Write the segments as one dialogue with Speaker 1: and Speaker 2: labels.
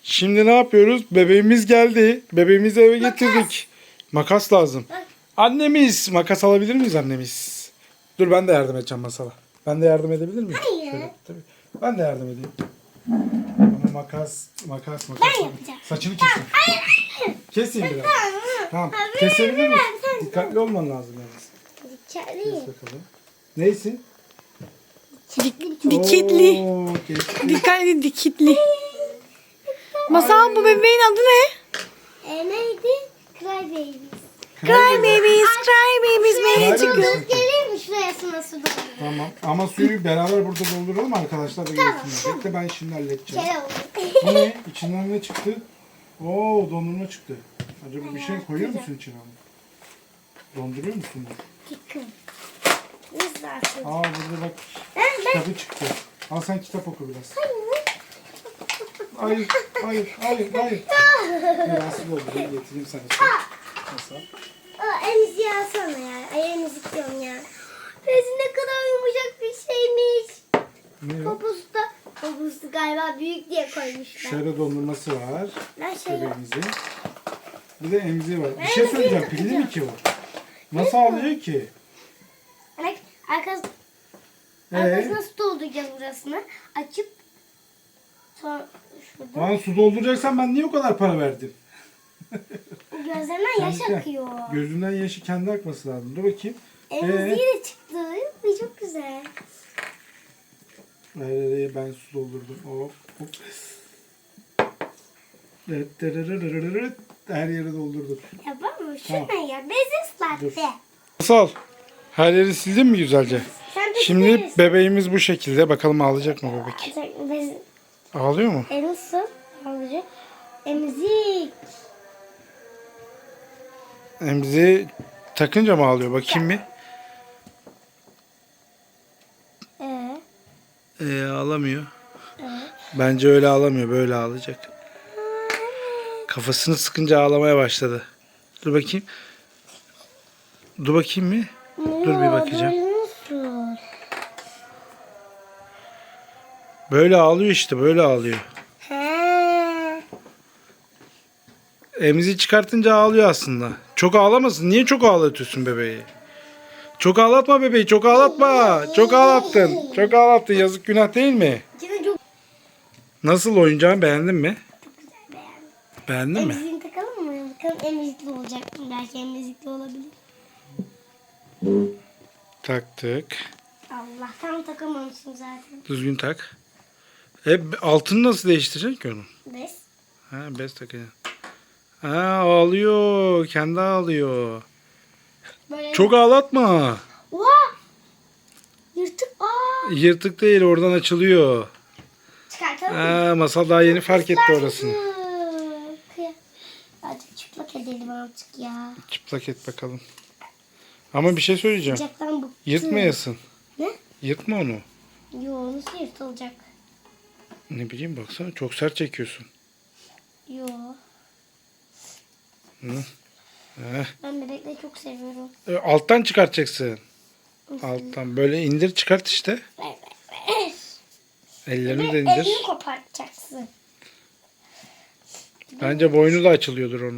Speaker 1: Şimdi ne yapıyoruz? Bebeğimiz geldi. Bebeğimizi eve getirdik. Makas lazım. Annemiz. Makas alabilir miyiz annemiz? Dur ben de yardım edeceğim Masal'a. Ben de yardım edebilir miyim?
Speaker 2: Hayır.
Speaker 1: Şöyle, tabii. Ben de yardım edeyim. Ama makas.
Speaker 2: Ben yapacağım.
Speaker 1: Saçını kesin.
Speaker 2: Hayır.
Speaker 1: Keseyim biraz. Tamam.
Speaker 2: Hayır,
Speaker 1: Kesebilir misin?
Speaker 2: sen-
Speaker 1: Dikkatli olman lazım yalnız.
Speaker 2: Dikkat
Speaker 1: Kes bakalım. Neysin?
Speaker 3: Dikitli.
Speaker 1: Oo, kesti.
Speaker 3: Dikkatli dikitli. Masal, bu bebeğin adı ne?
Speaker 2: Neydi? Cry Babies.
Speaker 3: Cry babies, cry babies.
Speaker 1: Cry
Speaker 3: Beni
Speaker 1: babies.
Speaker 3: çıkıyor.
Speaker 2: Gelir mi şuraya su dolduruyor?
Speaker 1: Tamam. Ama suyu beraber burada dolduralım arkadaşlar da görsünler. Bekle ben şimdi halledeceğim.
Speaker 2: Kere oldu.
Speaker 1: Bu ne? İçinden ne çıktı? Oo, dondurma çıktı. Acaba bir şey koyuyor musun içine onu? Donduruyor musun?
Speaker 2: Çıkın. Biz de açıyoruz.
Speaker 1: Aa, burada bak
Speaker 2: Ben
Speaker 1: kitabı çıktı. Al sen kitap oku biraz. Hayır. Rahatsız oldu. Ben getireyim sana. Nasıl?
Speaker 2: emziği alsana ya. Ay emzik diyorum ya. Bezi ne kadar yumuşak bir şeymiş.
Speaker 1: Ne o?
Speaker 2: Poposu galiba büyük diye koymuşlar.
Speaker 1: Şöyle dondurması var.
Speaker 2: Ben şey
Speaker 1: Bebeğimizin. Bir de emziği var. Bir şey söyleyeceğim. Pilli mi ki o? Nasıl alıyor ki?
Speaker 2: Bak arkasına su dolduracağız burasını. Açıp sonra şurada.
Speaker 1: Lan su dolduracaksan ben niye o kadar para verdim?
Speaker 2: Gözlerinden yaş
Speaker 1: Kendi-
Speaker 2: akıyor.
Speaker 1: Gözünden yaşı kendi akması lazım. Dur bakayım.
Speaker 2: Emziği de çıktı. Bu çok güzel.
Speaker 1: Hayır, ben su doldurdum. Hop hop. Her yere doldurdum.
Speaker 2: Ya bak mı?
Speaker 1: Tamam.
Speaker 2: Şuna ya. Bezi ıslattı.
Speaker 1: Nasıl? Her yeri sildin mi güzelce?
Speaker 2: Sen de
Speaker 1: Şimdi
Speaker 2: sileriz.
Speaker 1: bebeğimiz bu şekilde. Bakalım ağlayacak mı bebek?
Speaker 2: Bezi
Speaker 1: Ağlıyor mu?
Speaker 2: nasıl olacak? Emzik.
Speaker 1: Emziği takınca mı ağlıyor? Bakayım bir. Ağlamıyor. Bence öyle ağlamıyor. Böyle ağlayacak. Kafasını sıkınca ağlamaya başladı. Dur bakayım. Dur bakayım mı? Dur bir bakacağım.
Speaker 2: Nasıl?
Speaker 1: Böyle ağlıyor işte. Böyle ağlıyor.
Speaker 2: He.
Speaker 1: Emziği çıkartınca ağlıyor aslında. Çok ağlamasın. Niye çok ağlatıyorsun bebeği? Çok ağlatma bebeği. Çok ağlatma. Çok ağlattın. Çok ağlattın. Yazık, günah değil mi?
Speaker 2: İçine çok
Speaker 1: Nasıl, oyuncağını beğendin mi?
Speaker 2: beğendim.
Speaker 1: Beğendin mi?
Speaker 2: Emziğini takalım mı? Bakalım emzikli olacak mı? Belki emzikli olabilir.
Speaker 1: Taktık.
Speaker 2: Allah tam takamamışsın zaten.
Speaker 1: Düzgün tak. Altını nasıl değiştireceksin ki onun?
Speaker 2: Bez.
Speaker 1: Ha, bez takacaksın. Ha, ağlıyor. Kendi ağlıyor.
Speaker 2: Böyle.
Speaker 1: Çok ağlatma.
Speaker 2: Oha! Yırtık.
Speaker 1: Yırtık değil, oradan açılıyor.
Speaker 2: Çıkartalım mı?
Speaker 1: Ha, Masal daha yeni fark etti orasını.
Speaker 2: Hadi çıplak edelim artık ya.
Speaker 1: Çıplak et bakalım. Ama bir şey söyleyeceğim.
Speaker 2: Sıcaktan bıktım.
Speaker 1: Yırtmayasın.
Speaker 2: Ne?
Speaker 1: Yırtma onu.
Speaker 2: Yo nasıl yırtılacak?
Speaker 1: Ne bileyim, baksana çok sert çekiyorsun.
Speaker 2: Yo.
Speaker 1: Heh.
Speaker 2: Ben bebekleri çok seviyorum.
Speaker 1: Alttan çıkartacaksın. Alttan böyle indir çıkart işte. Ellerini de indir.
Speaker 2: Elini kopartacaksın.
Speaker 1: Bence boynu da açılıyordur onun.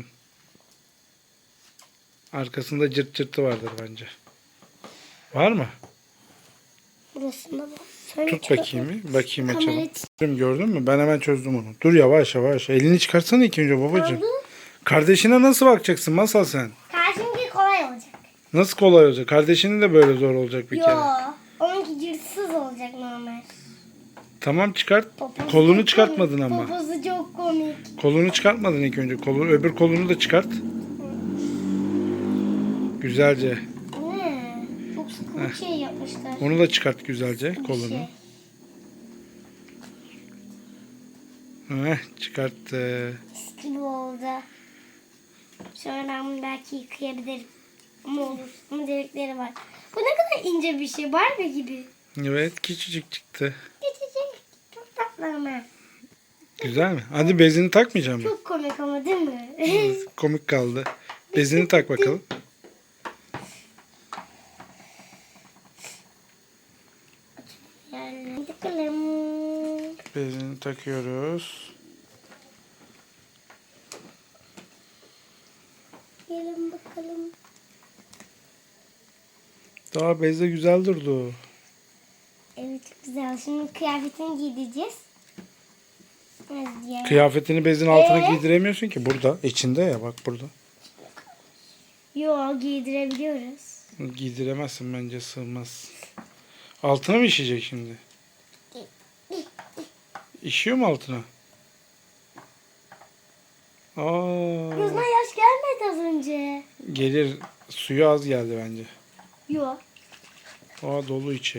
Speaker 1: Arkasında cırt cırtı vardır bence. Var mı?
Speaker 2: Burasında bak. Şöyle
Speaker 1: Tut
Speaker 2: çıkar-
Speaker 1: bakayım bir. Bakayım
Speaker 2: Kamera
Speaker 1: açalım. Gördün mü? Ben hemen çözdüm onu. Dur, yavaş yavaş. Elini çıkarsana ilk önce babacığım.
Speaker 2: oldu.
Speaker 1: Kardeşine nasıl bakacaksın Masal sen?
Speaker 2: Karşımki kolay olacak.
Speaker 1: Nasıl kolay olacak? Kardeşinin de böyle zor olacak bir
Speaker 2: Yo.
Speaker 1: kere.
Speaker 2: Onunki cırtsız olacak normal.
Speaker 1: Tamam, çıkart.
Speaker 2: Poposu
Speaker 1: Kolunu
Speaker 2: çok
Speaker 1: çıkartmadın
Speaker 2: komik.
Speaker 1: ama.
Speaker 2: Poposu çok komik.
Speaker 1: Kolunu çıkartmadın ilk önce. Öbür kolunu da çıkart. Güzelce.
Speaker 2: Ne? Çok sıkı bir şey yapmışlar.
Speaker 1: Onu da çıkart güzelce
Speaker 2: Bir
Speaker 1: kolunu.
Speaker 2: şey.
Speaker 1: Çıkarttı.
Speaker 2: Mis gibi oldu. Sonra ben bunu belki yıkayabilirim. Ama olur. Ama delikleri var. Bu ne kadar ince bir şey. Barbie gibi.
Speaker 1: Evet, küçücük çıktı.
Speaker 2: Küçücük. Çok tatlı ama.
Speaker 1: Güzel mi? Hadi bezini takmayacağım mı?
Speaker 2: Çok komik ama değil mi?
Speaker 1: Komik kaldı. Bezini tak bakalım.
Speaker 2: Yani bakalım.
Speaker 1: Bezini takıyoruz. Daha bezde güzel durdu.
Speaker 2: Evet çok güzel. Şimdi kıyafetini giydireceğiz. Evet, diğer.
Speaker 1: Kıyafetini bezin altına
Speaker 2: Ee?
Speaker 1: giydiremiyorsun ki burada. İçinde ya bak burada.
Speaker 2: Yo giydirebiliyoruz.
Speaker 1: Giydiremezsin bence sığmaz. Altına mı işeyecek şimdi? İşiyor mu altına? Aa,
Speaker 2: Gözüme yaş gelmedi az önce.
Speaker 1: gelir. Suyu az geldi bence.
Speaker 2: Yo.
Speaker 1: Aa, dolu içi.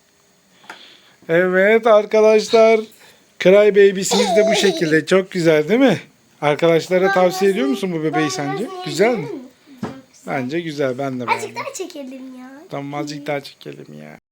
Speaker 1: Evet arkadaşlar. Cry Baby'siniz de bu şekilde. Çok güzel değil mi? Arkadaşlara tavsiye ediyor musun bu bebeği sence? Güzel mi?
Speaker 2: Çok güzel.
Speaker 1: Bence güzel. Ben de
Speaker 2: Azıcık
Speaker 1: beğendim.
Speaker 2: daha çekelim ya.
Speaker 1: Tamam azıcık daha çekelim ya.